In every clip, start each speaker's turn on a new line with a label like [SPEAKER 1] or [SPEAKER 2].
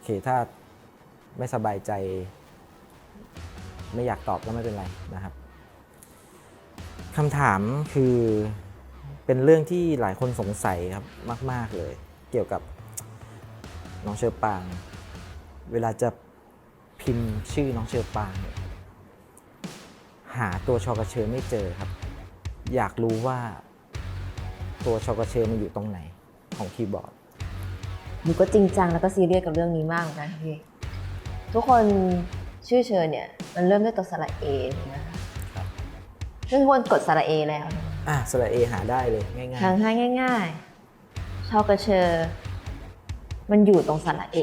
[SPEAKER 1] เคถ้าไม่สบายใจไม่อยากตอบก็ไม่เป็นไรนะครับคำถามคือเป็นเรื่องที่หลายคนสงสัยครับมากๆเลยเกี่ยวกับน้องเชอปางเวลาจะพิมพ์ชื่อน้องเชอปางเนี่ยหาตัวชกเชอไม่เจอครับอยากรู้ว่าตัวชกเชอมันอยู่ตรงไหนของคีย์บอร์ด
[SPEAKER 2] หนูก็จริงจังแล้วก็ซีเรียสกับเรื่องนี้มากเหมือนกันค่ะพี่ทุกคนชื่อเชิญเนี่ยมันเริ่มด้วยตัวสระเอถูกไหมคะซึ่งทุกคนกดสระเอแล้ว
[SPEAKER 1] สระเอหาได้เลยง่าย
[SPEAKER 2] ทางให้ง่ายๆชอกระเชอมันอยู่ตรงสระเอ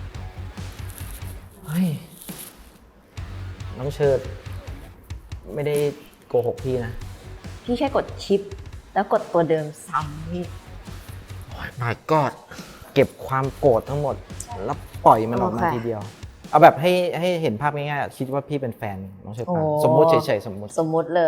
[SPEAKER 1] ๆเฮ้ยน้องเชิดไม่ได้โกหกพี่นะ
[SPEAKER 2] พี่แค่กดชิปแล้วกดตัวเดิมซ้ำพี่
[SPEAKER 1] My God เก็บความโกรธทั้งหมดแล้วปล่อยมันออกมา
[SPEAKER 2] โอเค
[SPEAKER 1] ทีเดียว เอาแบบให้เห็นภาพง่ายๆคิดว่าพี่เป็นแฟนน้องเชอปางสมมุติเฉยๆสมมุติ
[SPEAKER 2] สมมุติเลย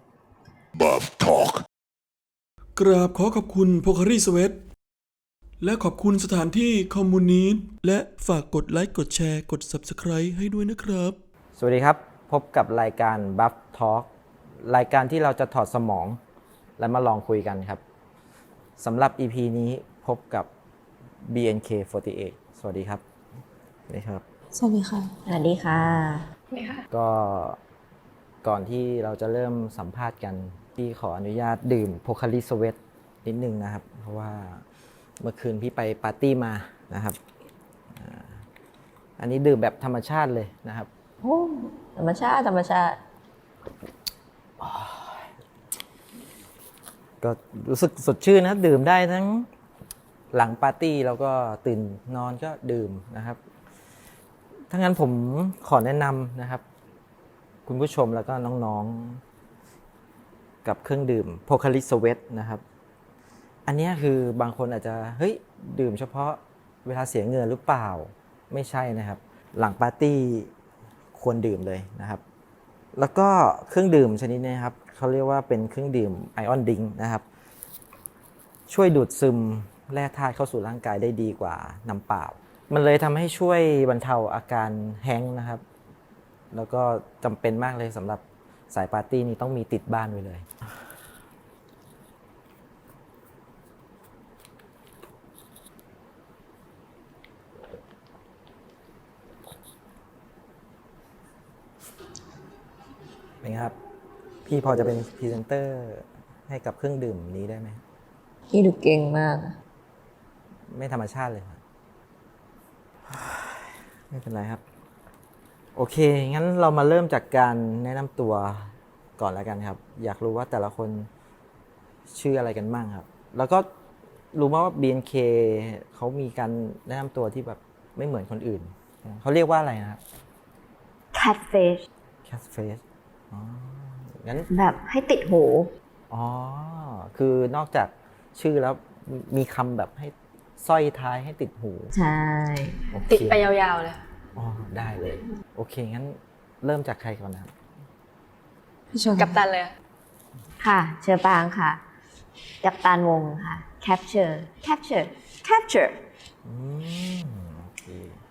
[SPEAKER 3] กราบขอขอบคุณโพคารีสเวทและขอบคุณสถานที่คอมมูนิสต์และฝากกดไลค์กดแชร์กด Subscribe ให้ด้วยนะครับ
[SPEAKER 1] สวัสดีครับ พบกับรายการ Buff Talk รายการที่เราจะถอดสมองและมาลองคุยกันครับสำหรับ EP นี้พบกับ BNK48 สวัสดีครับนี่ครับ
[SPEAKER 4] สวัสดีค่ะ
[SPEAKER 2] สวัสดีค่ะ
[SPEAKER 1] ก็ก่อนที่เราจะเริ่มสัมภาษณ์กันพี่ขออนุญาตดื่มโพคาริสเวทนิดนึงนะครับ เพราะว่าเมื่อคืนพี่ไปปาร์ตี้มานะครับอันนี้ดื่มแบบธรรมชาติเลยนะครับ
[SPEAKER 2] โอ้ธรรมชาติธรรมชาติ
[SPEAKER 1] ก็รู้สึกสดชื่นนะครับดื่มได้ทั้งหลังปาร์ตี้แล้วก็ตื่นนอนก็ดื่มนะครับถ้างั้นผมขอแนะนำนะครับคุณผู้ชมแล้วก็น้องๆกับเครื่องดื่มโพคาริสเวทนะครับอันนี้คือบางคนอาจจะเฮ้ยดื่มเฉพาะเวลาเสียเงินหรือเปล่าไม่ใช่นะครับหลังปาร์ตี้ควรดื่มเลยนะครับแล้วก็เครื่องดื่มชนิดนี้ครับเขาเรียกว่าเป็นเครื่องดื่มไอออนดิงนะครับช่วยดูดซึมแร่ธาตุเข้าสู่ร่างกายได้ดีกว่าน้ำเปล่ามันเลยทำให้ช่วยบรรเทาอาการแฮ้งก์นะครับแล้วก็จำเป็นมากเลยสำหรับสายปาร์ตี้นี้ต้องมีติดบ้านไว้เลยเป็นไงครับพี่พอจะเป็นพรีเซนเตอร์ให้กับเครื่องดื่มนี้ได้ไหม
[SPEAKER 2] พี่ดูเก่งมาก
[SPEAKER 1] ไม่ธรรมชาติเลยครับไม่เป็นไรครับ โอเค งั้นเรามาเริ่มจากการแนะนำตัวก่อนแล้วกันครับ อยากรู้ว่าแต่ละคนชื่ออะไรกันบ้างครับ แล้วก็รู้มาว่า BNK เขามีการแนะนำตัวที่แบบไม่เหมือนคนอื่น เขาเรียกว่าอะไรนะครับ
[SPEAKER 2] catfish
[SPEAKER 1] Catface อ๋อ งั้น
[SPEAKER 2] แบบให้ติดหู
[SPEAKER 1] อ๋อ คือนอกจากชื่อแล้วมีคำแบบให้สร้อยท้ายให้ติดหู
[SPEAKER 2] ใช่
[SPEAKER 1] โอเค
[SPEAKER 4] ติดไปยาวๆเลย
[SPEAKER 1] อ๋อ ได้เลย โอเค งั้นเริ่มจากใครก่อนนะครับ
[SPEAKER 4] พี่ชนกับตันเลย
[SPEAKER 2] ค่ะ เชอปางค่ะ กัปตันวงค่ะ capture
[SPEAKER 1] อืม โอเค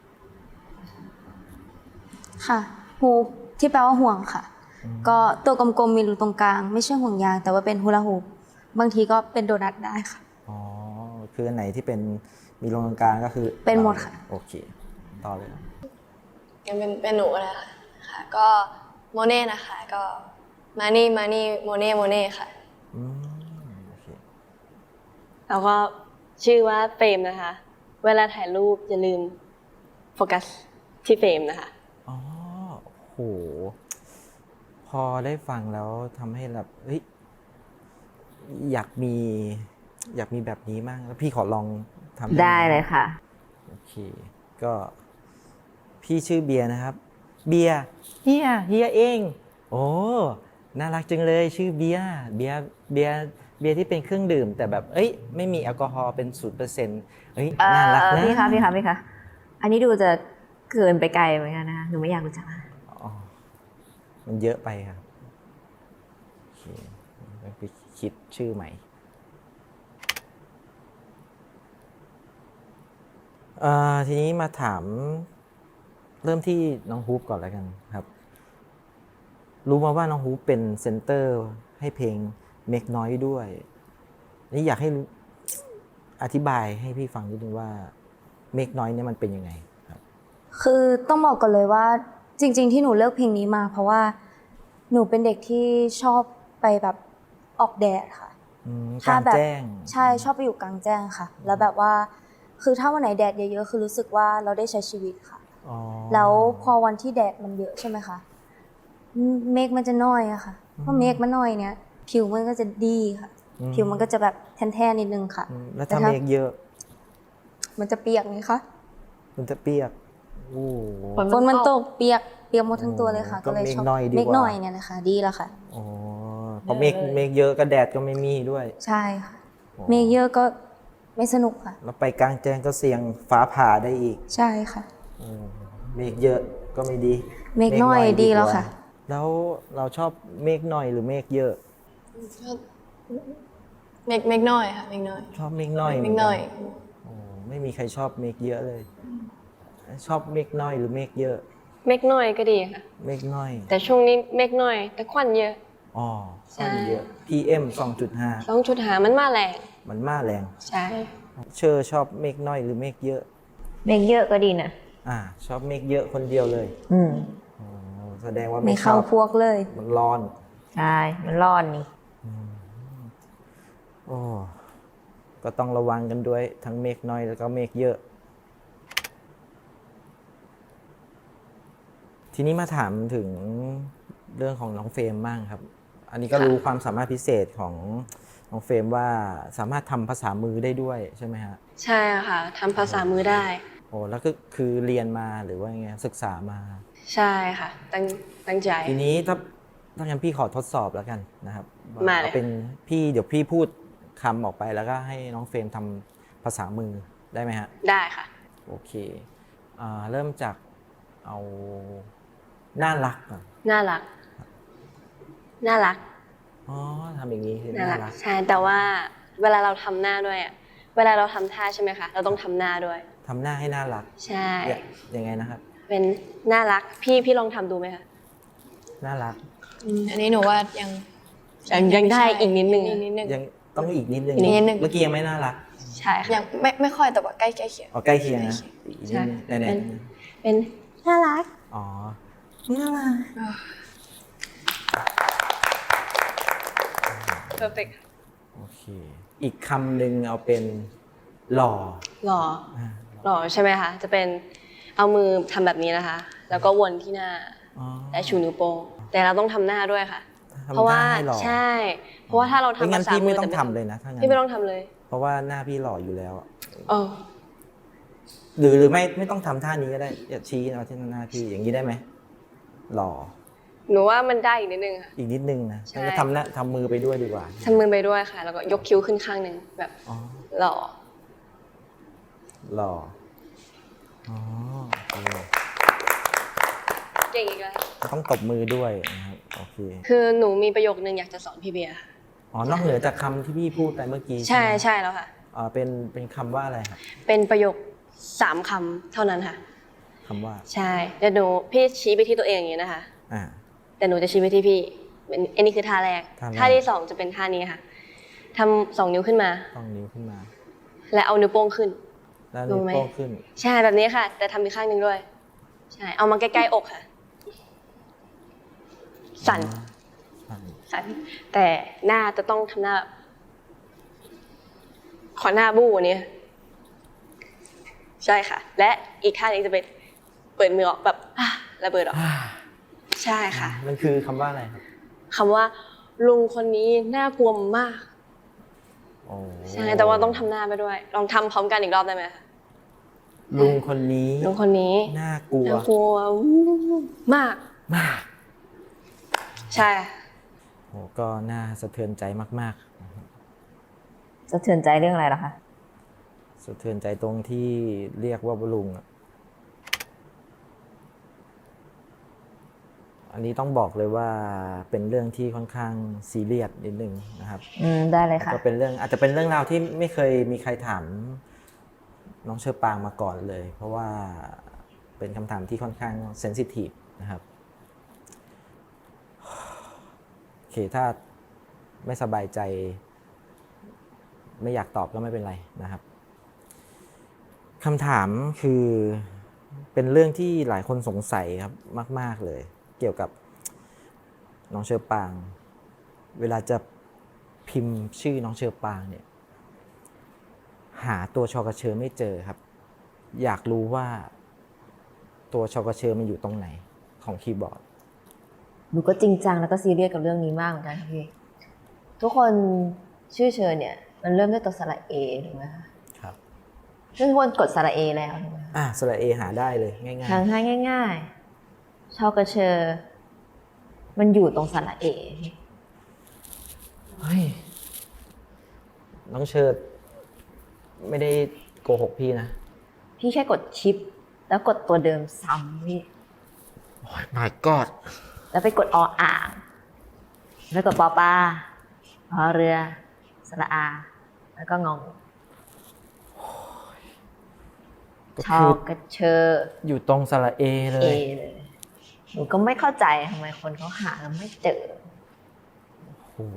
[SPEAKER 4] ค่ะฮูปที่แปลว่าห่วงค่ะ ก็ตัวกลมๆมีรูตรงกลาง ไม่ใช่ห่วงยาง แต่ว่าเป็นฮูลาฮูปบางทีก็เป็นโดนัทได้ค่ะ
[SPEAKER 1] อ๋อ คืออันไหนที่เป็นมีลงตรงกลางก็คือ
[SPEAKER 4] เป็นหมดค่ะ
[SPEAKER 1] โอเค ต่อเลยครับ
[SPEAKER 5] ยังเป็นหนูนะคะค่ะ ก็โมเน่นะคะ ก็มานี่โมเน่ค่ะ
[SPEAKER 1] อืม โอเค
[SPEAKER 6] แล้วก็ชื่อว่าเฟรมนะคะ เวลาถ่ายรูปอย่าลืมโฟกัสที่เฟรมนะคะ
[SPEAKER 1] อ๋อ โห พอได้ฟังแล้วทำให้แบบเฮ้ยอยากมีแบบนี้มากแล้วพี่ขอลองทำ
[SPEAKER 2] ได้เลยค่ะ
[SPEAKER 1] โอเค ก็พี่ชื่อเบียร์นะครับ เบียร์เฮียเอง โอ้ น่ารักจังเลยชื่อเบียร์ที่เป็นเครื่องดื่ม แต่แบบเอ้ยไม่มีแอลกอฮอล์เป็น0%เอ้ยน่ารักนะ
[SPEAKER 2] พี่คะ อันนี้ดูจะเกินไปไกลเหมือนกันนะคะ หนูไม่อยากรู้จัก
[SPEAKER 1] อ๋อมันเยอะไปครับโอเคไปคิดชื่อใหม่ทีนี้มาถามเริ่มที่น้องฮูปก่อนแล้วกันครับ รู้มาว่าน้องฮูปเป็นเซนเตอร์ให้เพลงเมกน้อยด้วย นี่อยากให้อธิบายให้พี่ฟังนิดนึงว่าเมกน้อยเนี่ยมันเป็นยังไงครับ
[SPEAKER 4] คือต้องบอกก่อนเลยว่าจริงๆที่หนูเลือกเพลงนี้มา เพราะว่าหนูเป็นเด็กที่ชอบไปแบบออกแดดค่ะ
[SPEAKER 1] กลางแจ้ง
[SPEAKER 4] ใช่ชอบไปอยู่กลางแจ้งค่ะ แล้วแบบว่าคือถ้าวันไหนแดดเยอะๆคือรู้สึกว่าเราได้ใช้ชีวิตค่ะ
[SPEAKER 1] อ๋อ
[SPEAKER 4] แล้วพอวันที่แดดมันเยอะใช่ไหมคะเมฆมันจะน้อยอะค่ะเพราะเมฆมันน้อยเนี่ยผิวมันก็จะดีค่ะ ผิวมันก็จะแบบแทนๆนิดนึงค่ะ
[SPEAKER 1] แล้วถ้าเมกเยอะ
[SPEAKER 4] มันจะเปียกไงคะ
[SPEAKER 1] มันจะเปียกโอ้โห
[SPEAKER 4] ฝนมันตกเปียกหมดทั้งตัวเลยค่ะ
[SPEAKER 1] ก็
[SPEAKER 4] ก็เลยชอบ
[SPEAKER 1] เมฆน้อยดีกว่า
[SPEAKER 4] เมฆน้อยเนี่ยนะคะดีแล้วค่ะ
[SPEAKER 1] อ๋อเพราะเมกเยอะก็แดดก็ไม่มีด้วย
[SPEAKER 4] ใช่ค่ะเมฆเยอะก็ไม่สนุกค่ะ
[SPEAKER 1] แล้วไปกลางแจ้งก็เสี่ยงฟ้าผ่าได้อีก
[SPEAKER 4] ใช่ค่ะ
[SPEAKER 1] เมฆเยอะก็ไม่ดี
[SPEAKER 4] เมฆน้อยดีแล้วค่ะ
[SPEAKER 1] แล้วเราชอบเมฆน้อยหรือเมฆเยอะ
[SPEAKER 5] เมกน้อยค่ะเมกน้อย
[SPEAKER 1] ชอบเมฆน้อย
[SPEAKER 5] เมกน้อย
[SPEAKER 1] โอ้ไม่มีใครชอบเมฆเยอะเลย ชอบเมฆน้อยหรือเมฆเยอะ
[SPEAKER 6] เมฆน้อยก็ดีค่ะ
[SPEAKER 1] เมฆน้อย
[SPEAKER 6] แต่ช่วงนี้เมฆน้อย แต่ควันเยอะ
[SPEAKER 1] อ๋อ
[SPEAKER 6] ใช่
[SPEAKER 1] ค่อนเยอะ PM 2.5
[SPEAKER 6] ต้องชุดหามันมาแรง
[SPEAKER 1] มันมาแรง
[SPEAKER 6] ใช่
[SPEAKER 1] เชอร์ชอบเมฆน้อยหรือเมฆเยอะ
[SPEAKER 2] เมฆเยอะก็ดีนะ
[SPEAKER 1] ชอบเมฆเยอะคนเดียวเลย
[SPEAKER 2] อืม
[SPEAKER 1] อ๋อแสดงว่า
[SPEAKER 4] ไม่
[SPEAKER 1] ไม่ช
[SPEAKER 4] เข้า
[SPEAKER 1] อบ
[SPEAKER 4] พวกเลย
[SPEAKER 1] มันร้อน
[SPEAKER 2] ใช่ มันร้อนนี่
[SPEAKER 1] โอ้ก็ต้องระวังกันด้วยทั้งเมฆน้อยแล้วก็เมฆเยอะ ทีนี้มาถามถึงเรื่องของน้องเฟรมบ้างครับ อันนี้ก็รู้ความสามารถพิเศษของน้องเฟรมว่าสามารถทำภาษามือได้ด้วยใช่ไหมฮะ
[SPEAKER 6] ใช่ค่ะทำภาษามือได้
[SPEAKER 1] โอ้แล้วก็คือเรียนมาหรือว่าไงศึกษามา
[SPEAKER 6] ใช่ค่ะ ตั้งใจ
[SPEAKER 1] ทีนี้ถ้างั้นพี่ขอทดสอบแล้วกันนะครับ
[SPEAKER 6] มาเลย
[SPEAKER 1] เอาเป็นพี่เดี๋ยวพี่พูดคำออกไปแล้วก็ให้น้องเฟรมทำภาษามือได้ไหมฮะ
[SPEAKER 6] ได้ค่ะ
[SPEAKER 1] โอเคเริ่มจากเอาน่ารักก่อน
[SPEAKER 6] น่ารัก น่ารัก
[SPEAKER 1] อ๋อทำอย่างนี้คือ
[SPEAKER 6] น่า
[SPEAKER 1] น่า
[SPEAKER 6] รั
[SPEAKER 1] รั
[SPEAKER 6] ก
[SPEAKER 1] ก
[SPEAKER 6] ใช่ แต่ว่าเวลาเราทำหน้าด้วยอะเวลาเราทำท่าใช่ไหมคะ เราต้องทำหน้าด้วย
[SPEAKER 1] ทำหน้าให้น่ารัก
[SPEAKER 6] ใช่
[SPEAKER 1] ยังไงนะครับ
[SPEAKER 6] เป็นน่ารัก พี่ลองทำดูไหมคะ
[SPEAKER 1] น่ารัก
[SPEAKER 5] อันนี้หนูว่ายัง
[SPEAKER 6] ยังได้อีกนิดนึง
[SPEAKER 5] อีกนิดนึง
[SPEAKER 1] ยังต้องอีกนิดนึง
[SPEAKER 5] อีกนิดนึง
[SPEAKER 1] เมื่อกี้ยังไม่น่ารัก
[SPEAKER 6] ใช่ค่ะ
[SPEAKER 5] ยังไม่ค่อยแต่ว่าใกล้เคียง
[SPEAKER 1] เอาใกล้เคียงนะอีกนิดนึง
[SPEAKER 6] ใช่
[SPEAKER 1] ไหน
[SPEAKER 6] เป็นน่ารัก
[SPEAKER 1] ๆอ๋อน่ารัก
[SPEAKER 6] perfect
[SPEAKER 1] โอเคอีกคำหนึ่งเอาเป็นหล่อ
[SPEAKER 6] หล่อ
[SPEAKER 1] อ่า
[SPEAKER 6] หล่อใช่ไหมคะ จะเป็นเอามือทำแบบนี้นะคะ แล้วก็วนที่หน้า
[SPEAKER 1] อ๋อ
[SPEAKER 6] และชูนิ้วโป้ง แต่เราต้องทำหน้าด้วยค่ะ
[SPEAKER 1] ทำ
[SPEAKER 6] เพราะว่า
[SPEAKER 1] หน้ให้หล่อ
[SPEAKER 6] ใช่ เพราะว่าถ้าเรา
[SPEAKER 1] ไม่
[SPEAKER 6] ทำ
[SPEAKER 1] งั้น
[SPEAKER 6] ภาษา
[SPEAKER 1] พี่
[SPEAKER 6] มื
[SPEAKER 1] ไม่
[SPEAKER 6] อ
[SPEAKER 1] ต้อง
[SPEAKER 6] แต่
[SPEAKER 1] ทำเลยนะถ้างั้น
[SPEAKER 6] พี่ไม่ต้องทำเลย
[SPEAKER 1] เพราะว่าหน้าพี่หล่ออยู่แล้วอะ
[SPEAKER 6] โอ้
[SPEAKER 1] หรือไม่ต้องทำท่านี้ก็ได้อย่าชี้เอาที่หน้าพี่อย่างนี้ได้ไหมหล่อ
[SPEAKER 6] หนูว่ามันได้อีกนิดนึงค่ะ
[SPEAKER 1] อีกนิดนึงนะ
[SPEAKER 6] ใช่
[SPEAKER 1] งั้นก็ทำมือไปด้วยดีกว่า
[SPEAKER 6] ทำมือไปด้วยค่ะ แล้วก็ยกคิ้วขึ้นข้างหนึ่งแบบ
[SPEAKER 1] อ๋อ
[SPEAKER 6] หล่อ
[SPEAKER 1] หล่ออ๋อโอเค
[SPEAKER 6] เก่งอีกแล้ว
[SPEAKER 1] ต้องตบมือด้วยนะครับโอเค
[SPEAKER 6] คือหนูมีประโยคนึงอยากจะสอนพี่เบียร์ค่ะ
[SPEAKER 1] อ๋อนอกเหนือจากคำที่พี่พูดไปเมื่อกี้
[SPEAKER 6] ใช่
[SPEAKER 1] ไหม
[SPEAKER 6] ใช่แล้วค่ะ
[SPEAKER 1] เป็นคำว่าอะไรครับ
[SPEAKER 6] เป็นประโยค3คำเท่านั้นค่ะ
[SPEAKER 1] คำว่า
[SPEAKER 6] ใช่เดี๋ยวหนูพี่ชี้ไปที่ตัวเองอย่างนี้นะคะ
[SPEAKER 1] อ่า
[SPEAKER 6] แต่หนูจะชี้ไปที่พี่อันนี้คือท่าแรก
[SPEAKER 1] ท่าแรก
[SPEAKER 6] ท่าที่2จะเป็นท่านี้ค่ะทำ2 นิ้วขึ้นมา
[SPEAKER 1] ต้องนิ้วขึ้นมา
[SPEAKER 6] และเอานิ้วโป้งขึ้น
[SPEAKER 1] แล้วนิ้ว
[SPEAKER 6] รู้ไหม
[SPEAKER 1] โป้งขึ้น
[SPEAKER 6] ใช่แบบนี้ค่ะ แต่ทำอีกข้างหนึ่งด้วย ใช่เอามาใกล้ๆอกค่ะ สั่น
[SPEAKER 1] สั่น
[SPEAKER 6] สั่นแต่หน้าจะต้องทำหน้า ขอหน้าบู้กวันนี้ใช่ค่ะ และอีกข้างหนึงจะเป็นเปิดมือออกแบบระเบิดออก ใช่ค่ะ
[SPEAKER 1] มันคือคำว่าอะไรครับ
[SPEAKER 6] คำว่า ลุงคนนี้น่ากลัวมาก
[SPEAKER 1] โอ้
[SPEAKER 6] ใช่แต่ว่าต้องทำหน้าไปด้วย ลองทำพร้อมกันอีกรอบได้ไหมคะ
[SPEAKER 1] ลุงคนนี้
[SPEAKER 6] ลุงคนนี้
[SPEAKER 1] น่ากลัว
[SPEAKER 6] น่ากลัวมาก
[SPEAKER 1] มาก
[SPEAKER 6] ใช่
[SPEAKER 1] โอ้ก็น่าสะเทือนใจมาก
[SPEAKER 2] สะเทือนใจเรื่องอะไรล่ะคะ
[SPEAKER 1] ๆ สะเทือนใจตรงที่เรียกว่าลุงอะอันนี้ต้องบอกเลยว่าเป็นเรื่องที่ค่อนข้างซีเรียสนิดนึงนะครับ
[SPEAKER 2] ได้เลยค่ะ
[SPEAKER 1] ก็เป็นเรื่องอาจจะเป็นเรื่องราวที่ไม่เคยมีใครถามน้องเชอปางมาก่อนเลย เพราะว่าเป็นคำถามที่ค่อนข้างเซนซิทีฟนะครับโอเคถ้าไม่สบายใจไม่อยากตอบก็ไม่เป็นไรนะครับคำถามคือเป็นเรื่องที่หลายคนสงสัยครับมากๆเลยเกี่ยวกับน้องเชอปางเวลาจะพิมพ์ชื่อน้องเชอปางเนี่ยหาตัวชกเชอไม่เจอครับอยากรู้ว่าตัวชกเชอมันอยู่ตรงไหนของคีย์บอร์ด
[SPEAKER 2] หนูก็จริงจังแล้วก็ซีเรียสกับเรื่องนี้มากเหมือนกันค่ะพี่ ทุกคนชื่อเชิญเนี่ย มันเริ่มด้วยตัวสระเอถูกไหมคะ
[SPEAKER 1] ครับ
[SPEAKER 2] ซึ่งทุกคนกดสระเอแล้วถูกไหมคะ
[SPEAKER 1] สระเอหาได้เลยง่าย
[SPEAKER 2] ทางง่ายๆชอกระเชอ มันอยู่ตรงสระเอ
[SPEAKER 1] ๆเฮ้ยน้องเชิดไม่ได้โกหกพี่นะ
[SPEAKER 2] พี่แค่กดชิป แล้วกดตัวเดิมซ้ำพี่
[SPEAKER 1] โอ้ย my god
[SPEAKER 2] แล้วไปกดออ่าง แล้วกดปอปลาพอเรือ สระอา แล้วก็งง
[SPEAKER 1] ก็
[SPEAKER 2] ช
[SPEAKER 1] คือ
[SPEAKER 2] อกระเชอ
[SPEAKER 1] อยู่ตรงสระเอเล
[SPEAKER 2] เอย เลย หนูก็ไม่เข้าใจทำไมคนเขาหาแล้วไม่เจอ
[SPEAKER 1] โอ้โห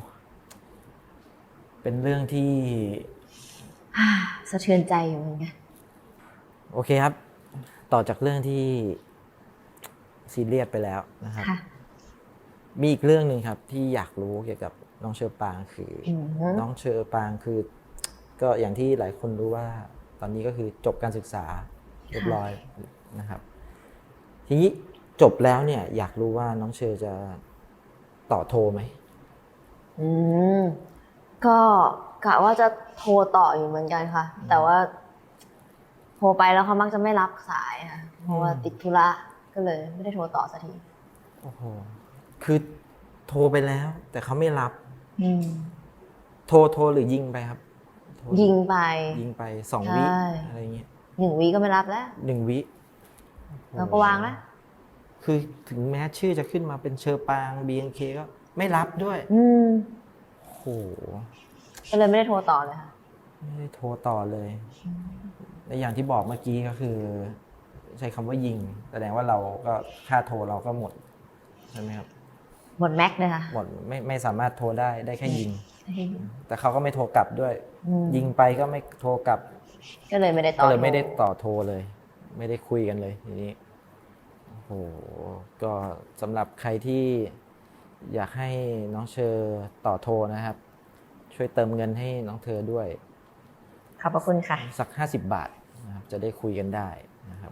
[SPEAKER 1] เป็นเรื่องที่
[SPEAKER 2] สะเทือนใจอยู่เหมือนกัน
[SPEAKER 1] โอเคครับ ต่อจากเรื่องที่ซีเรียสไปแล้วนะครับ
[SPEAKER 2] ค่ะ
[SPEAKER 1] มีอีกเรื่องหนึ่งครับที่อยากรู้เกี่ยวกับน้องเชอปางคืออ
[SPEAKER 2] อ
[SPEAKER 1] น้องเชอปางคือ ก็อย่างที่หลายคนรู้ว่าตอนนี้ก็คือจบการศึกษาเรียบร้อยนะครับ ทีนี้จบแล้วเนี่ยอยากรู้ว่าน้องเชอจะต่อโทไหม
[SPEAKER 2] อืม ก็กะว่าจะโทรต่ออยู่เหมือนกันค่ะ แต่ว่า โทรไปแล้วเขามักจะไม่รับสายค่ะ เพราะว่าติดธุระก็เลยไม่ได้โทรต่อสักที
[SPEAKER 1] โอ้โหคือโทรไปแล้ว แต่เขาไม่รับ
[SPEAKER 2] อืม
[SPEAKER 1] โทรหรือยิงไปครับโทร
[SPEAKER 2] ยิงไป
[SPEAKER 1] ยิงไป2 วิ
[SPEAKER 2] ใช่
[SPEAKER 1] อะไรเงี้ย
[SPEAKER 2] 1 วิก็ไม่รับแล้ว
[SPEAKER 1] 1 วิ
[SPEAKER 2] แล้วก็วางแล้ว
[SPEAKER 1] คือถึงแม้ชื่อจะขึ้นมาเป็นเชอปาง BNK ก็ไม่รับด้วย
[SPEAKER 2] อืม
[SPEAKER 1] โอ้โห
[SPEAKER 2] ก็เลยไม่ได้โทรต่อเลยค่ะ
[SPEAKER 1] ไม่ได้โทรต่อเลยและอย่างที่บอกเมื่อกี้ก็คือ ใช้คำว่ายิง แสดงว่าเราก็ค่าโทรเราก็หมดใช่ไหมครับ
[SPEAKER 2] หมดแม็กเลยค่ะ
[SPEAKER 1] หมดไม่สามารถโทรได้แค่ยิง แต่เขาก็ไม่โทรกลับด้วย
[SPEAKER 2] อืม
[SPEAKER 1] ยิงไปก็ไม่โทรกลับ
[SPEAKER 2] ก็เลยไม่ได้ต่
[SPEAKER 1] ก็
[SPEAKER 2] อ
[SPEAKER 1] เลยไม่ได้ต่อโทรเลย ไม่ได้คุยกันเลยทีนี้โอ้โหก็สำหรับใครที่อยากให้น้องเชอต่อโทรนะครับ ช่วยเติมเงินให้น้องเธอด้วย
[SPEAKER 2] ขอบพระคุณค่ะ
[SPEAKER 1] สัก50 บาทนะครับจะได้คุยกันได้นะครับ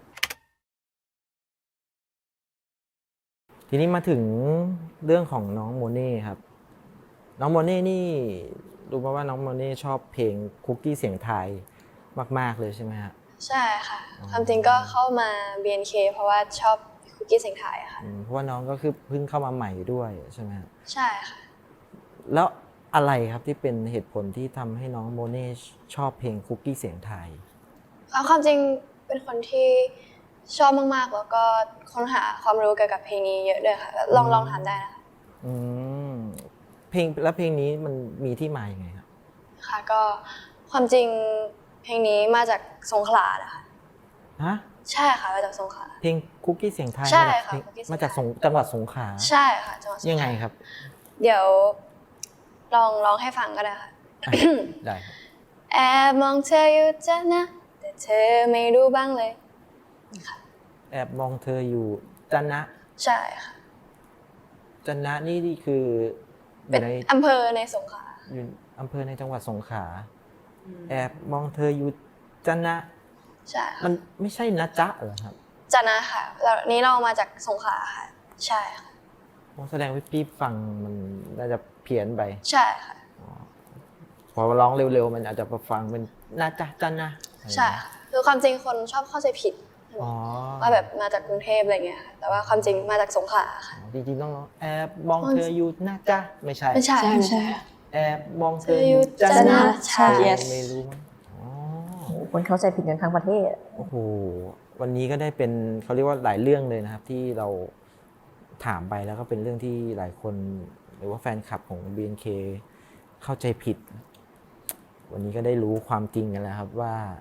[SPEAKER 1] ทีนี้มาถึงเรื่องของน้องโมเน่ครับ น้องโมเน่นี่รู้มาว่าน้องโมเน่ชอบเพลงคุกกี้เสียงไทยมากๆเลยใช่ไหมฮะ
[SPEAKER 5] ใช่ค่ะ ความจริงก็เข้ามา BNK เพราะว่าชอบคุกกี้เสียงไทยอะค่ะ
[SPEAKER 1] เพราะว่าน้องก็คือเพิ่งเข้ามาใหม่ด้วยใช่ไหมฮะ
[SPEAKER 5] ใช่ค่ะ
[SPEAKER 1] แล้วอะไรครับที่เป็นเหตุผลที่ทำให้น้องโมเน่ชอบเพลงคุกกี้เสียงไทย
[SPEAKER 5] เอาความจริงเป็นคนที่ชอบมากๆ แล้วก็ค้นหาความรู้เกี่ยวกับเพลงนี้เยอะด้วยค่ะ ลองถามได้นะคะ
[SPEAKER 1] อืมเพลงแล้วเพลงนี้มันมีที่มาอย่างไงครับ
[SPEAKER 5] ค่ะก็ความจริงเพลงนี้มาจากสงขลานะคะ
[SPEAKER 1] ฮะ
[SPEAKER 5] ใช่ค่ะมาจากสงขลา
[SPEAKER 1] เพลงคุกกี้เสียงไทย
[SPEAKER 5] ใช่
[SPEAKER 1] มาจาก
[SPEAKER 5] ค่ะ
[SPEAKER 1] เพลง
[SPEAKER 5] คุกกี้เสียงไทย
[SPEAKER 1] มาจากจังหวัดสงขลา
[SPEAKER 5] ใช่ค่ะจังหวัดสงขลา
[SPEAKER 1] ยังไงครับ
[SPEAKER 5] เดี๋ยวลองให้ฟังก็ได้ค่ะ
[SPEAKER 1] อ่ะได้ครับ
[SPEAKER 5] แอบมองเธออยู่จ้ะนะ แต่เธอไม่รู้บ้างเลย
[SPEAKER 1] แอบมองเธออยู่จันนะ
[SPEAKER 5] ใช่ค่ะ
[SPEAKER 1] จันนะนี่คืออ
[SPEAKER 5] เป็น
[SPEAKER 1] ยู่ใน
[SPEAKER 5] อำเภอในสงขลา
[SPEAKER 1] อยู่อำเภอในจังหวัดสงขลาแอบมองเธออยู่จันนะ
[SPEAKER 5] ใช่ค่ะ
[SPEAKER 1] มันไม่ใช่นะจ๊ะเหรอครับ
[SPEAKER 5] จ้ะนะค่ะแล้วนี้เรามาจากสงขลาค่ะ ใช่ค่ะ
[SPEAKER 1] ผมแสดงว่าพี่ฟังมันน่าจะเพี้ยนไป
[SPEAKER 5] ใช่ค่ะ
[SPEAKER 1] พอร้องเร็วๆ มันอาจจะฟังเป็นนะจ๊ะจันนะ
[SPEAKER 5] ใช่ค่ะคือความจริงคนชอบเข้าใจผิด
[SPEAKER 1] อ๋อ
[SPEAKER 5] ว่าแบบมาจากกรุงเทพอะไรเงี้ยค่ะแต่ว่าความจริงมาจากสงขลาค่ะ
[SPEAKER 1] จริงๆต้องร้องแอบมองเธออยู่นะจ๊ะไม่ใช่
[SPEAKER 5] ไม่ใช่ไม่ใช่
[SPEAKER 1] แอบมองเธ
[SPEAKER 5] เธ
[SPEAKER 1] อ
[SPEAKER 5] อ
[SPEAKER 1] อ
[SPEAKER 5] อยู่
[SPEAKER 1] ยู่จัน
[SPEAKER 5] จัน
[SPEAKER 1] นะ
[SPEAKER 5] นะใช่
[SPEAKER 6] Yes
[SPEAKER 1] ไม่รู้มั้งอ๋อ
[SPEAKER 2] คนเข้าใจผิดกันทั้งประเทศ
[SPEAKER 1] โอ้โห วันนี้ก็ได้เป็นเขาเรียกว่าหลายเรื่องเลยนะครับ ที่เราถามไปแล้วก็เป็นเรื่องที่หลายคนหรือว่าแฟนคลับของ BNK เข้าใจผิด วันนี้ก็ได้รู้ความจริงกันแล้วครับว่า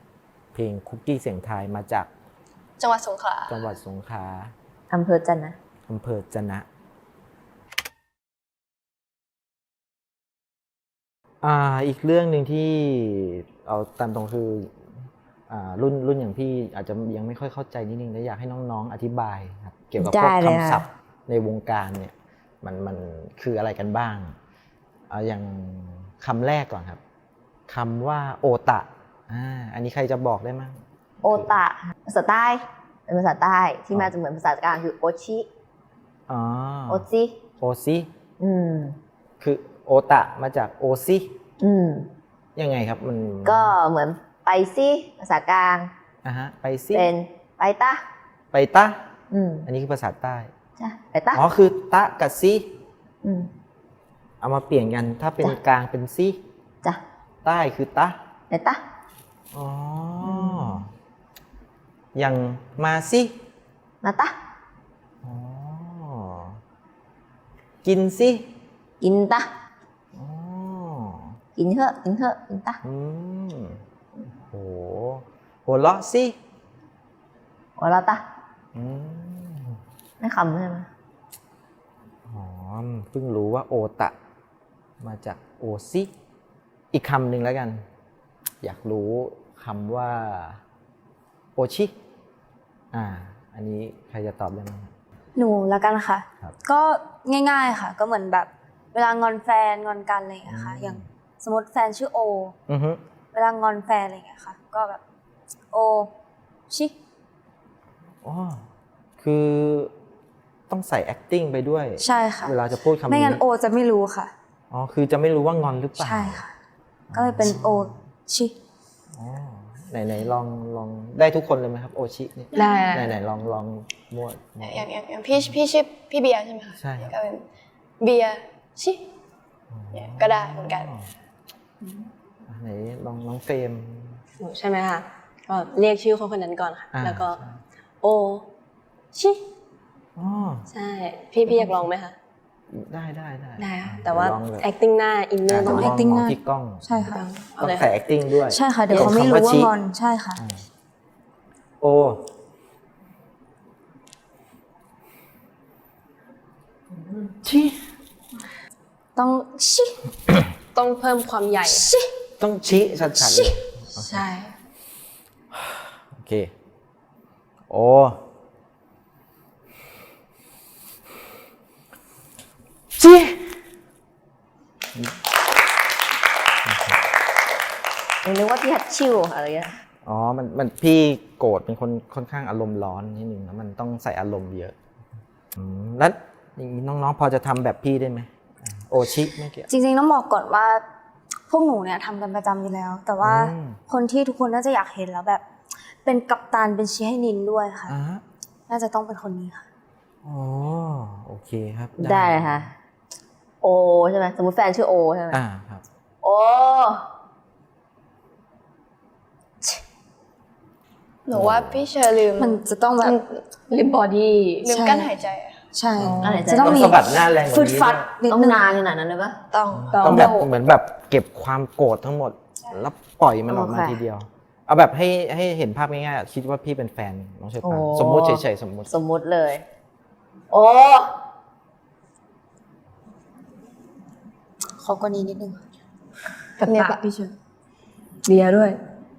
[SPEAKER 1] เพลงคุกกี้เสียงทายมาจาก
[SPEAKER 5] จังหวัดสงขลา
[SPEAKER 1] จังหวัดสงขลา
[SPEAKER 2] อำเภอจันนะ
[SPEAKER 1] อำเภอจะนะอีกเรื่องหนึ่งที่เอาตามตรงคือรุ่นอย่างพี่อาจจะยังไม่ค่อยเข้าใจนิดนึงและอยากให้น้องๆอธิบายครับเกี่ยวกับพวกคำศัพท์ในวงการเนี่ยมันคืออะไรกันบ้างอย่างคำแรกก่อนครับคำว่าโอตะอันนี้ใครจะบอกได้มั้ง
[SPEAKER 2] โอตะภาษาใต้เป็นภาษาใต้ที่มาจะเหมือนภาษากลางคือโอชิ
[SPEAKER 1] อ๋อ
[SPEAKER 2] โอจิ
[SPEAKER 1] โอซิ
[SPEAKER 2] อืม
[SPEAKER 1] คือโอตะมาจากโอซิ
[SPEAKER 2] อืม
[SPEAKER 1] ยังไงครับมัน
[SPEAKER 2] ก็เหมือนไปซิภาษากลาง
[SPEAKER 1] ไปซิ
[SPEAKER 2] เป็นไปตะ
[SPEAKER 1] ไปตะ
[SPEAKER 2] อืม
[SPEAKER 1] อันนี้คือภาษาใต้
[SPEAKER 2] จ้ะไปตะ
[SPEAKER 1] อ๋อคือตะกับซิ
[SPEAKER 2] อืม
[SPEAKER 1] เอามาเปลี่ยนกันถ้าเป็น
[SPEAKER 2] จ้ะ
[SPEAKER 1] กลางเป็นซิ
[SPEAKER 2] จ้ะ
[SPEAKER 1] ใต้คือตะ
[SPEAKER 2] ไปตะ
[SPEAKER 1] อ๋ออย่างมาซิ
[SPEAKER 2] มาตะ
[SPEAKER 1] อ๋อกินซิ
[SPEAKER 2] กินตะ
[SPEAKER 1] อ๋อ
[SPEAKER 2] กินเถอะกินเถอะกินตะ
[SPEAKER 1] โหหัวเราะซิ
[SPEAKER 2] หัวเราะตะ
[SPEAKER 1] อืม
[SPEAKER 2] ไม่คำใช่ไหม
[SPEAKER 1] อ๋อเพิ่งรู้ว่าโอตะมาจากโอซิอีกคำหนึ่งแล้วกัน อยากรู้คำว่าโอชิอันนี้ใครจะตอบได้ไหมครับ
[SPEAKER 4] หนูละกันค่ะ
[SPEAKER 1] ครับ
[SPEAKER 4] ก็ง่ายๆค่ะ ก็เหมือนแบบเวลางอนแฟนงอนกันอะไรอย่างเงี้ยค่ะ อย่างสมมติแฟนชื่อโอ
[SPEAKER 1] อือฮึ
[SPEAKER 4] เวลางอนแฟนอะไรอย่างเงี้ยค่ะ ก็แบบโอชิ
[SPEAKER 1] อ๋อคือต้องใส่ acting ไปด้วย
[SPEAKER 4] ใช่ค่ะ
[SPEAKER 1] เวลาจะพูดคำนี้
[SPEAKER 4] ไม่งั้นโอจะไม่รู้ค่ะ
[SPEAKER 1] อ๋อคือจะไม่รู้ว่างอนหรือเปล่า
[SPEAKER 4] ใช่ค่ะ ก็เลยเป็นโอชิ
[SPEAKER 1] อ๋อไหนลองได้ทุกคนเลยไหมครับโอชิเนี่ย
[SPEAKER 6] ได้
[SPEAKER 1] ไหนลองมั่ว
[SPEAKER 5] อย่างพี่ชื่อพี่เบียร์ใช่ไหมคะ
[SPEAKER 1] ใช่ครับ
[SPEAKER 5] ก็เป็นเบียร์ชิเนี่ยก็ได้เหมือนกัน
[SPEAKER 1] ไหนลองน้องเฟรม
[SPEAKER 6] หนูใช่ไหมคะก็เรียกชื่อคนนั้นก่อนค่ะ แล้วก็
[SPEAKER 1] ใช่
[SPEAKER 6] โอชิ
[SPEAKER 1] อ๋อ
[SPEAKER 6] ใช่พี่อยากลองไหมคะ
[SPEAKER 1] ได้
[SPEAKER 6] ได้ค่ะแต่ว่า
[SPEAKER 1] ลองเลย
[SPEAKER 6] acting หน้า inner ต้อง
[SPEAKER 1] ม
[SPEAKER 4] acting
[SPEAKER 1] ม
[SPEAKER 4] หน้า
[SPEAKER 1] ที่กล้อง
[SPEAKER 4] ใช่ค่ะ
[SPEAKER 6] เอา
[SPEAKER 1] ต้อง
[SPEAKER 6] เลย
[SPEAKER 1] ใส่
[SPEAKER 6] ค่ะ
[SPEAKER 1] acting ด้วย
[SPEAKER 4] ใช่ค่ะ เดี๋ยวเขาไม่รู้ว่างอน ใช่ค่ะ
[SPEAKER 1] โอชิ
[SPEAKER 4] ต้องชิ
[SPEAKER 6] ต้องเพิ่มความใหญ่
[SPEAKER 1] ต้องชี้ชัดๆเลย
[SPEAKER 6] ใช่
[SPEAKER 1] โอเคโอชิ
[SPEAKER 2] นึกว่าพี่ฮัตชิวอะไรเงี้ย
[SPEAKER 1] อ๋อมันพี่โกรธเป็นคนค่อนข้างอารมณ์ร้อนนิดนึงแล้วมันต้องใส่อารมณ์เยอะแล้วอย่างนี้น้องๆพอจะทำแบบพี่ได้ไหมโอชิไม่เกี่ยว
[SPEAKER 4] จริงๆต้องบอกก่อนว่า พวกหนูเนี่ยทำกันประจำอยู่แล้ว แต่ว่า
[SPEAKER 1] อืม
[SPEAKER 4] คนที่ทุกคนน่าจะอยากเห็นแล้วแบบ เป็นกัปตันเป็นชี้ให้นินด้วยค่ะ น่าจะต้องเป็นคนนี้ค่ะ
[SPEAKER 1] อ๋อโอเคครับ
[SPEAKER 2] ได้เลยค่ะ โอใช่ไหมสมมติแฟนชื่อโอใช่ไหม
[SPEAKER 1] ครับ
[SPEAKER 2] โอ
[SPEAKER 5] หนูว่าพี่เชอร์ลืม
[SPEAKER 4] มันจะต้องแบบ
[SPEAKER 6] ลิปบอดี้
[SPEAKER 5] ลืมกั้นหายใจอะ
[SPEAKER 4] ใช่
[SPEAKER 2] อะไรใจ
[SPEAKER 4] จะต้องมี
[SPEAKER 1] สะบัดหน้าแรงก
[SPEAKER 4] ฟึ
[SPEAKER 1] ว่า
[SPEAKER 4] ด
[SPEAKER 1] นี้
[SPEAKER 4] ฟัด
[SPEAKER 1] ด้วย
[SPEAKER 4] นิด
[SPEAKER 2] ต้อง
[SPEAKER 4] นึง
[SPEAKER 2] นานขนาดนั้นเลยปะ
[SPEAKER 5] ต้อง
[SPEAKER 1] ต้องแบบเหมือนแบบเก็บความโกรธทั้งหมด แล้วปล่อยมันออกมา
[SPEAKER 2] โอเค
[SPEAKER 1] ทีเดียว เอาแบบให้เห็นภาพง่ายๆคิดว่าพี่เป็นแฟนน้องเชอปราง
[SPEAKER 2] โอ้
[SPEAKER 1] สมมุติเฉยๆสมมุติ
[SPEAKER 2] สมมุติเลย โอ
[SPEAKER 4] ขอกว่านี้นิดนึง
[SPEAKER 6] กับ
[SPEAKER 4] เนี่ย
[SPEAKER 6] ปาก
[SPEAKER 4] พี่เชิญ
[SPEAKER 6] เบียร์ด้วย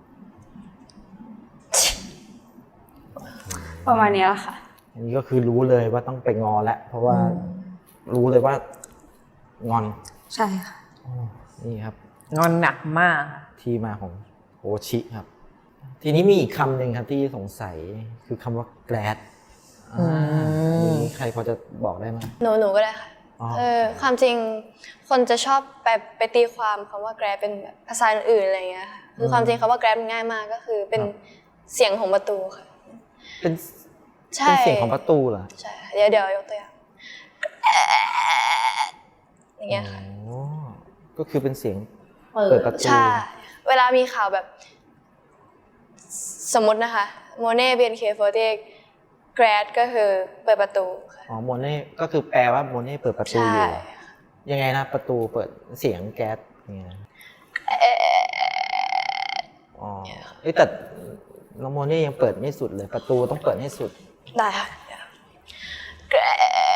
[SPEAKER 4] ประมาณนี้แหละค่ะ
[SPEAKER 1] อันนี้ก็คือรู้เลยว่าต้องไปงอแล้วเพราะว่ารู้เลยว่างอน
[SPEAKER 4] ใช่ค่ะ
[SPEAKER 1] นี่ครับ
[SPEAKER 2] งอนหนักมาก
[SPEAKER 1] ที่มาของโอชิครับ ทีนี้มีอีกคำหนึ่งครับที่สงสัยคือคำว่า glad มีใครพอจะบอกได้ไหม
[SPEAKER 5] หนูก็ได้ค่ะ
[SPEAKER 1] อ๋อ
[SPEAKER 5] ความจริงคนจะชอบไปตีความคำว่า grab เป็นแบบภาษาอื่นๆอะไรอย่างเงี้ยค่ะคือความจริงคำว่า grab มันง่ายมากก็คือเป็นเสียงของประตูค่ะ
[SPEAKER 1] เป็น
[SPEAKER 5] ใช่
[SPEAKER 1] เสียงของประตูเหรอ
[SPEAKER 5] ใช่เดี๋ยวยกตัวอย่างอย่างเงี้ยค่ะ
[SPEAKER 1] อ๋อก็คือเป็นเสียง
[SPEAKER 2] เปิ
[SPEAKER 1] เปิด
[SPEAKER 2] ด
[SPEAKER 1] ประตู
[SPEAKER 5] ใช่ เวลามีข่าวแบบสมมตินะคะโมเน่ BNK48 grad ก็คือเปิดประตูค่ะ
[SPEAKER 1] อ๋อโมเน่ก็คือแปลว่าโมเน่เปิดประตู
[SPEAKER 5] ใช่
[SPEAKER 1] อยู่เหรอยังไงนะประตูเปิดเสียงแก๊สยังไงนะอ๋อเอ้ยแต่น้องโมเน่ยังเปิดไม่สุดเลย ประตูต้องเปิดให้สุด
[SPEAKER 5] ได้ค่ะแกร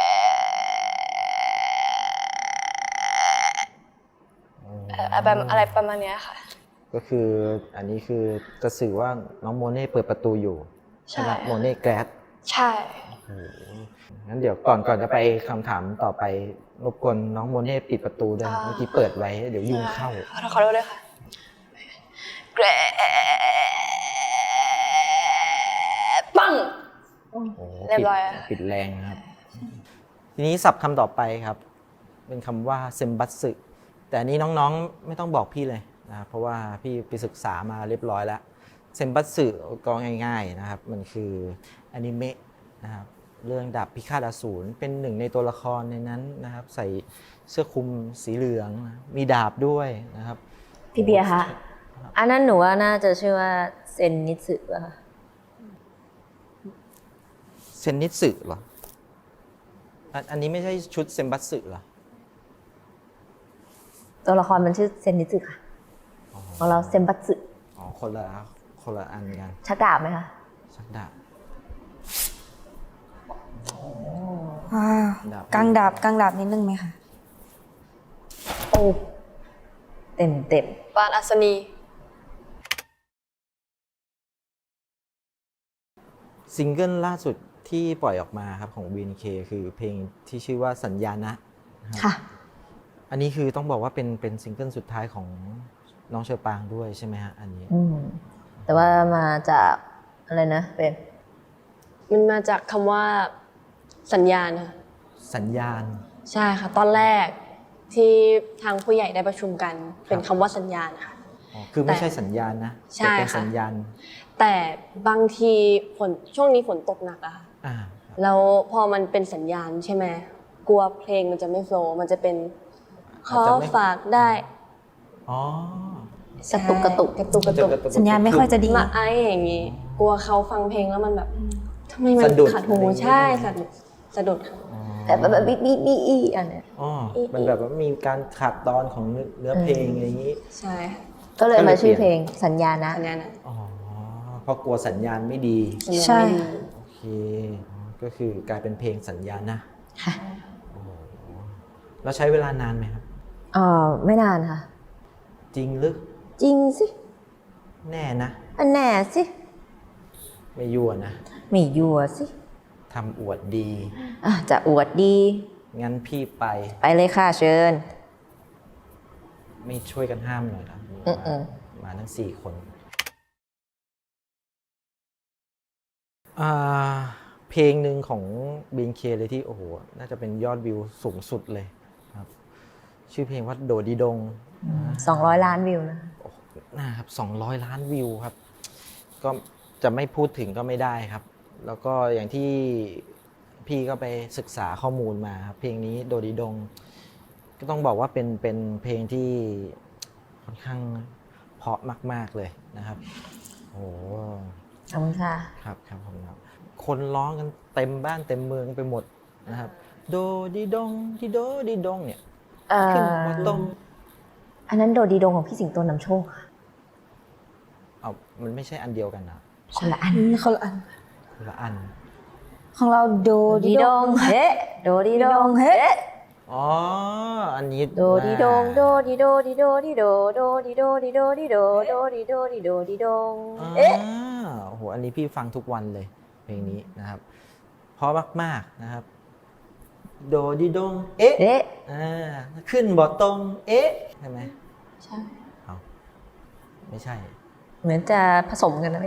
[SPEAKER 5] แบบอะไรประมาณเนี้ยค่ะ
[SPEAKER 1] ก็คืออันนี้คือจะสื่อว่าน้องโมเน่เปิดประตูอยู่
[SPEAKER 5] ใช่
[SPEAKER 1] ไหมโมเน่แกรด
[SPEAKER 5] ใช่
[SPEAKER 1] งั้นเดี๋ยวก่อนจะไปคำถามต่อไปรบกวนน้องโมเน่ปิดประตูด้วยเมื่อกี้เปิดไว้เดี๋ยวยุงเข้า
[SPEAKER 5] ขอโทษด้วยค่ะแกรปัง
[SPEAKER 1] โอ้โห
[SPEAKER 5] เรียบร้อยอะ
[SPEAKER 1] ปิดแรงนะครับ ทีนี้ศัพท์คำต่อไปครับ เป็นคำว่าเซมบัตสึแต่อันนี้น้องๆไม่ต้องบอกพี่เลยนะครับเพราะว่าพี่ไปศึกษามาเรียบร้อยแล้วเซมบัตสึก็ง่ายๆนะครับ มันคืออนิเมะนะครับเรื่องดาบพิฆาตอสูรเป็นหนึ่งในตัวละครในนั้นนะครับ ใส่เสื้อคลุมสีเหลืองนะมีดาบด้วยนะครับ
[SPEAKER 2] พี่เบียร์คะอันนั้นหนูว่าน่าจะชื่อว่าเซนนิสึป่ะคะ
[SPEAKER 1] เซนนิสึเหรออันนี้ไม่ใช่ชุดเซมบัตสึเหรอ
[SPEAKER 2] ตัวละครมันชื่อเซนนิสึค่ะของเราเซมบัตสึ
[SPEAKER 1] อ๋อคนละอันกัน
[SPEAKER 2] ชักดาบไหมคะ
[SPEAKER 1] ชักดาบ ดาบ
[SPEAKER 4] กลางดาบนิดนึงไหมคะ
[SPEAKER 2] โอ้เต็ม
[SPEAKER 5] ปานอัศนี
[SPEAKER 1] ซิงเกิลล่าสุดที่ปล่อยออกมาครับของ BNK คือเพลงที่ชื่อว่าสัญญานะ
[SPEAKER 2] ค่ะ
[SPEAKER 1] อันนี้คือต้องบอกว่าเป็นซิงเกิลสุดท้ายของน้องเชอปางด้วยใช่ไหมฮะอันนี้
[SPEAKER 2] แต่ว่ามาจากอะไรนะเป็น
[SPEAKER 6] มันมาจากคำว่าสัญญาณค่ะ
[SPEAKER 1] สัญญาณ
[SPEAKER 6] ใช่ค่ะ ตอนแรกที่ทางผู้ใหญ่ได้ประชุมกันเป็นคำว่าสัญญาณค่ะ
[SPEAKER 1] อ๋อคือไม่ใช่สัญญาณนะ
[SPEAKER 6] ใช่
[SPEAKER 1] แต่เป็น
[SPEAKER 6] ค่ะ
[SPEAKER 1] สัญญาณ
[SPEAKER 6] แต่บางทีช่วงนี้ฝนตกหนักอะค่ะ
[SPEAKER 1] อ่า
[SPEAKER 6] แล้วพอมันเป็นสัญญาณใช่ไหมกลัวเพลงมันจะไม่โฟลว์มันจะเป็นขอฝากได้
[SPEAKER 1] อ๋อก
[SPEAKER 2] ระตุกกระตุก
[SPEAKER 6] กระตุกกระตุก
[SPEAKER 4] สัญญาณไม่ค่อยจะดี
[SPEAKER 6] มาไออย่างงี้ กลัวเขาฟังเพลงแล้วมันแบบทำไมมัน
[SPEAKER 1] สะดุด
[SPEAKER 6] ขัดหูใช่สะดุดค่ะ
[SPEAKER 2] แต่แบบบีอันเนี้ย
[SPEAKER 1] อ๋อมันแบบว่ามีการขาดตอนของเนื้อเพลงอะไรอย่างนี้
[SPEAKER 6] ใช่ค่ะ
[SPEAKER 2] ก็เลยมาชื่อเพลงสัญญานะ
[SPEAKER 6] สัญญาณนะ
[SPEAKER 1] อ๋อเพราะกลัวสัญญาณไม่ดี
[SPEAKER 6] สัญญาณ
[SPEAKER 4] ใช่
[SPEAKER 6] ไม่ดี
[SPEAKER 1] โอเคอ๋อก็คือกลายเป็นเพลงสัญญาณนะ
[SPEAKER 2] ค่ะ
[SPEAKER 1] โอ้โหแล้วใช้เวลานานไหมครับ
[SPEAKER 2] ไม่นานค่ะ
[SPEAKER 1] จริงหรือ
[SPEAKER 2] จริงสิ
[SPEAKER 1] แน่นะ
[SPEAKER 2] อันแน่สิ
[SPEAKER 1] ไม่ยั่วนะ
[SPEAKER 2] ไม่ยั่วสิ
[SPEAKER 1] ทำอวดดี
[SPEAKER 2] จะอวดดี
[SPEAKER 1] งั้นพี่ไป
[SPEAKER 2] ไปเลยค่ะเชิญ
[SPEAKER 1] ไม่ช่วยกันห้ามหน่อยครับ มาทั้ง4 คนเพลงหนึ่งของ BNK เลยที่โอ้โหน่าจะเป็นยอดวิวสูงสุดเลยครับ ชื่อเพลงว่าโดดีดง
[SPEAKER 2] 200 ล้านวิวนะ
[SPEAKER 1] นะครับ200 ล้านวิวครับ ก็จะไม่พูดถึงก็ไม่ได้ครับ แล้วก็อย่างที่พี่ก็ไปศึกษาข้อมูลมาครับเพลงนี้โดดีดง ก็ต้องบอกว่าเป็นเพลงที่ค่อนข้างเพราะมากๆเลยนะครับโอ้โห
[SPEAKER 2] ขอบคุณค่ะ
[SPEAKER 1] ครับผมครับคนร้องกันเต็มบ้านเต็มเมืองไปหมดนะครับโดดีดงดีโดดีดงเนี่ยขึ้นมาตรง
[SPEAKER 2] อันนั้นโดดีดงของพี่สิงโตนำโชคค่ะ
[SPEAKER 1] เอามันไม่ใช่อันเดียวกันนะ
[SPEAKER 2] คนละอัน
[SPEAKER 4] คนละอัน
[SPEAKER 1] คนละอัน
[SPEAKER 4] ของเราโด
[SPEAKER 2] ดีดงเฮ้โดดีดงเฮ้
[SPEAKER 1] อ๋ออันนี้
[SPEAKER 2] โดดีดงโดดีโดดีโดดีโดโดดีโดดีโดดีโดโดดีโดดีโดดีดง
[SPEAKER 1] อ่าโอ้โหอันนี้พี่ฟังทุกวันเลยเพลงนี้นะครับเพราะมากๆนะครับโดดีดงเอ๊ะ
[SPEAKER 2] เอ๊ะ
[SPEAKER 1] ขึ้นบ่ตรงเอ๊ะใช่ไหม
[SPEAKER 6] ใช่
[SPEAKER 1] เอาไม่ใช่
[SPEAKER 2] เหมือนจะผสมกันนะพี่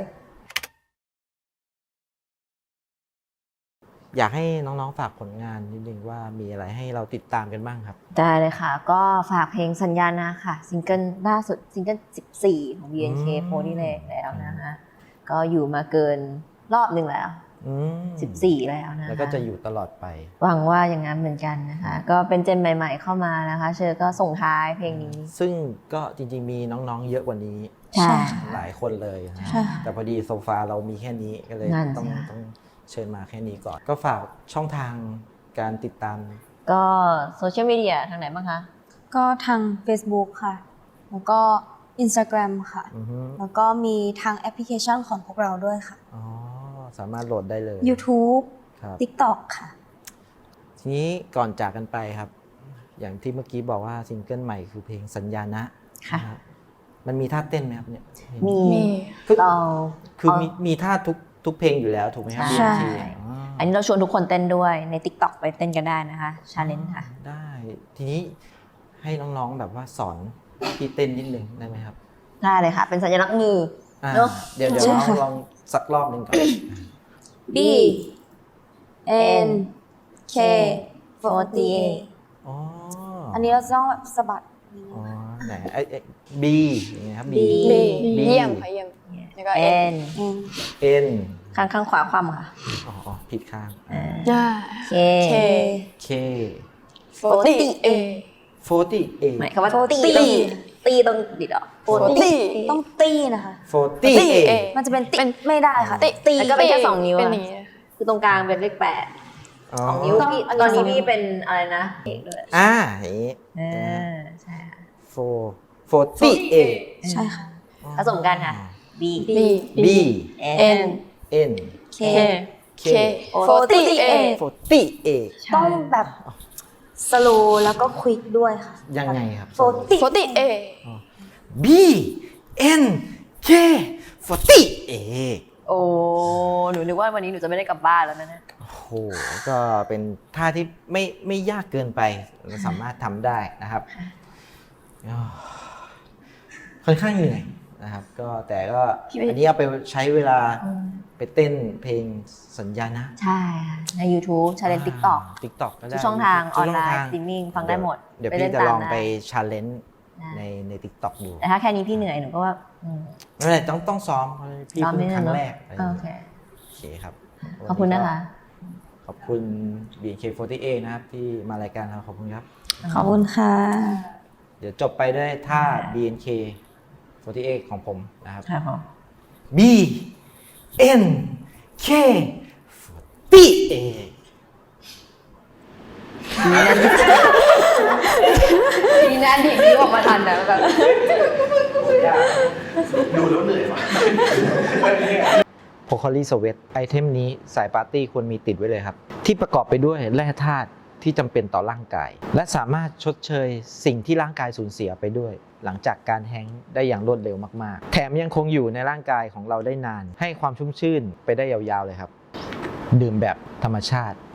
[SPEAKER 1] อยากให้น้องๆฝากผลงานนิดนึงว่ามีอะไรให้เราติดตามกันบ้างครับ
[SPEAKER 2] ได้เลยค่ะ ก็ฝากเพลงสัญญานะค่ะซิงเกิลล่าสุดซิงเกิล14 ของ BNK โพนี่แรงแล้วนะคะก็อยู่มาเกินรอบหนึ่งแล้ว
[SPEAKER 1] อืม
[SPEAKER 2] 14 แล้วนะคะ
[SPEAKER 1] แล้วก็จะอยู่ตลอดไป
[SPEAKER 2] หวังว่าอย่างนั้นเหมือนกันนะคะ ก็เป็นเจนใหม่ๆเข้ามานะคะ เชอก็ส่งท้ายเพลงนี้
[SPEAKER 1] ซึ่งก็จริงๆมีน้องๆเยอะกว่านี้
[SPEAKER 2] ใช่
[SPEAKER 1] หลายคนเลยนะ
[SPEAKER 4] ใช่
[SPEAKER 1] แต่พอดีโซฟาเรามีแค่นี้ก็เลย
[SPEAKER 2] นั่น
[SPEAKER 1] ต้อง
[SPEAKER 2] สิคะ
[SPEAKER 1] ต้องเชิญมาแค่นี้ก่อน ก็ฝากช่องทางการติดตาม
[SPEAKER 2] ก็โซเชียลมีเดียทางไหนบ้างคะ
[SPEAKER 4] ก็ทาง Facebook ค่ะ แล้วก็ Instagram ค่ะ
[SPEAKER 1] อือฮึ
[SPEAKER 4] แล้วก็มีทางแอปพลิเคชันของพวกเราด้วยค่ะ
[SPEAKER 1] อ๋อสามารถโหลดได้เลย
[SPEAKER 4] YouTube
[SPEAKER 1] ครับ
[SPEAKER 4] TikTok ค่ะ
[SPEAKER 1] ทีนี้ก่อนจากกันไปครับ อย่างที่เมื่อกี้บอกว่าซิงเกิลใหม่คือเพลงสัญญานะ
[SPEAKER 2] ค่ะ
[SPEAKER 1] นะครับมันมีท่าเต้นไหมครับเนี่ย
[SPEAKER 2] มี
[SPEAKER 5] มี
[SPEAKER 2] เรา
[SPEAKER 1] คือมีท่าทุกเพลงอยู่แล้วถูกไหมครับ
[SPEAKER 2] ใช่
[SPEAKER 1] BNK
[SPEAKER 2] อันนี้เราชวนทุกคนเต้นด้วยใน TikTok ไปเต้นกันได้นะคะชาเลนจ์ค่ะ
[SPEAKER 1] ได้ ทีนี้ให้น้องๆแบบว่าสอนพี่เต้นนิดนึงได้ไหมครับ
[SPEAKER 2] ได้เลยค่ะ เป็นสัญลักษณ์มือ
[SPEAKER 1] อ่า
[SPEAKER 2] เนอะ
[SPEAKER 1] เดี๋ยว
[SPEAKER 4] ใช่
[SPEAKER 1] น้อง
[SPEAKER 4] ค่ะ
[SPEAKER 1] ลองสักรอบหนึ่งก่อน
[SPEAKER 4] B N K 48
[SPEAKER 1] อ๋อ
[SPEAKER 4] อันนี้เราจะต้องแบบสะบัดนิดนึ
[SPEAKER 1] อ๋
[SPEAKER 4] ง
[SPEAKER 1] อไหนB อย่างเงี้ยครับ B
[SPEAKER 5] B
[SPEAKER 1] B
[SPEAKER 5] เยี่ยมค่ะเยี่ยมแล้วก็ N
[SPEAKER 1] N
[SPEAKER 2] ข้างขวาคว่ำค่ะ
[SPEAKER 1] อ๋อผิดข้าง
[SPEAKER 2] K
[SPEAKER 5] K
[SPEAKER 1] K
[SPEAKER 5] 40 A
[SPEAKER 1] 40 A
[SPEAKER 2] หมายความว่าตีต้องดิดออก
[SPEAKER 5] 40
[SPEAKER 4] ต้องตีนะคะ
[SPEAKER 1] 40 A
[SPEAKER 4] มันจะเป็นติไม่ได้ค่ะ
[SPEAKER 5] ตี
[SPEAKER 2] แล้วก็เป็นแค่2 นิ้ว
[SPEAKER 5] เป็น
[SPEAKER 2] อะ
[SPEAKER 5] อย่างนี้
[SPEAKER 2] คือตรงกลางเป็นเลข
[SPEAKER 1] อ๋อ
[SPEAKER 2] 8 2 นิ้วพี่ตอนนี้พี่เป็นอะไรนะเอกด้วย
[SPEAKER 1] อย่างนี้
[SPEAKER 2] ใช่ค่ะ
[SPEAKER 1] 40 A
[SPEAKER 4] ใช่ค่ะ
[SPEAKER 2] ผสมกันค่ะ B
[SPEAKER 5] B
[SPEAKER 1] B
[SPEAKER 5] N
[SPEAKER 1] N
[SPEAKER 2] K
[SPEAKER 5] K 40 A
[SPEAKER 1] 40 A
[SPEAKER 4] ต้องแบบสโลแล้วก็ควิกด้วยค่ะ
[SPEAKER 1] ยังไงครับ
[SPEAKER 5] 40 A
[SPEAKER 1] B N K 40 A
[SPEAKER 2] โอ้หนูนึกว่าวันนี้หนูจะไม่ได้กลับบ้านแล้วนะเนี่ย
[SPEAKER 1] โอ้โห ก็เป็นท่าที่ไม่ยากเกินไปเราสามารถทำได้นะครับอ๋อค่อนข้างเหนื่อยนะครับ ก็แต่ก็อันนี้เอาไปใช้เวลาไปเต้นเพลงสัญญานะ
[SPEAKER 2] ใช่ค่ะใน YouTube ชาเลนจ์ TikTok
[SPEAKER 1] TikTok ก็ได้
[SPEAKER 2] ทุกช่องทางออนไลน์
[SPEAKER 1] ทุกช่งทาง
[SPEAKER 2] สตรีมมิ่งฟังได้หมด
[SPEAKER 1] เดี๋ยว
[SPEAKER 2] ไป
[SPEAKER 1] พี่
[SPEAKER 2] เล่น
[SPEAKER 1] จะ
[SPEAKER 2] ตาม
[SPEAKER 1] ลอง
[SPEAKER 2] ได้
[SPEAKER 1] ไปชาเลนจ์
[SPEAKER 2] ได้
[SPEAKER 1] ใน TikTok ดู
[SPEAKER 2] แต่ถ้าแค่นี้พี่เหนื่อยหนูก็ว่า
[SPEAKER 1] ไม่เป็นไรต้องซ้อมเพราะพี่
[SPEAKER 2] ซ้อม
[SPEAKER 1] เพิ่
[SPEAKER 2] นิ
[SPEAKER 1] ง
[SPEAKER 2] ด
[SPEAKER 1] ค
[SPEAKER 2] นึ
[SPEAKER 1] รั้
[SPEAKER 2] ง
[SPEAKER 1] ง
[SPEAKER 2] เนอะ
[SPEAKER 1] แรกอะไรอย่าง
[SPEAKER 2] โอ
[SPEAKER 1] เงี้ย
[SPEAKER 2] เค
[SPEAKER 1] โอเคครับ
[SPEAKER 2] ขอบคุณนะคะ
[SPEAKER 1] ขอบคุณ BNK48 นะครับที่มารายการเราขอบคุณครับ
[SPEAKER 4] ขอบคุณค่ะ
[SPEAKER 1] เดี๋ยวจบไปด้วยท่า BNK48 ของผมนะครับ
[SPEAKER 2] ครับผม
[SPEAKER 1] B N K 48
[SPEAKER 2] มีนั่นที่นี้ออกมาทันนะแบบ
[SPEAKER 1] โพคารีสเวตไอเทมนี้สายปาร์ตี้ควรมีติดไว้เลยครับ ที่ประกอบไปด้วยแร่ธาตุที่จำเป็นต่อร่างกาย และสามารถชดเชยสิ่งที่ร่างกายสูญเสียไปด้วย หลังจากการแฮงก์ได้อย่างรวดเร็วมากๆ แถมยังคงอยู่ในร่างกายของเราได้นาน ให้ความชุ่มชื่นไปได้ยาวๆเลยครับ ดื่มแบบธรรมชาติ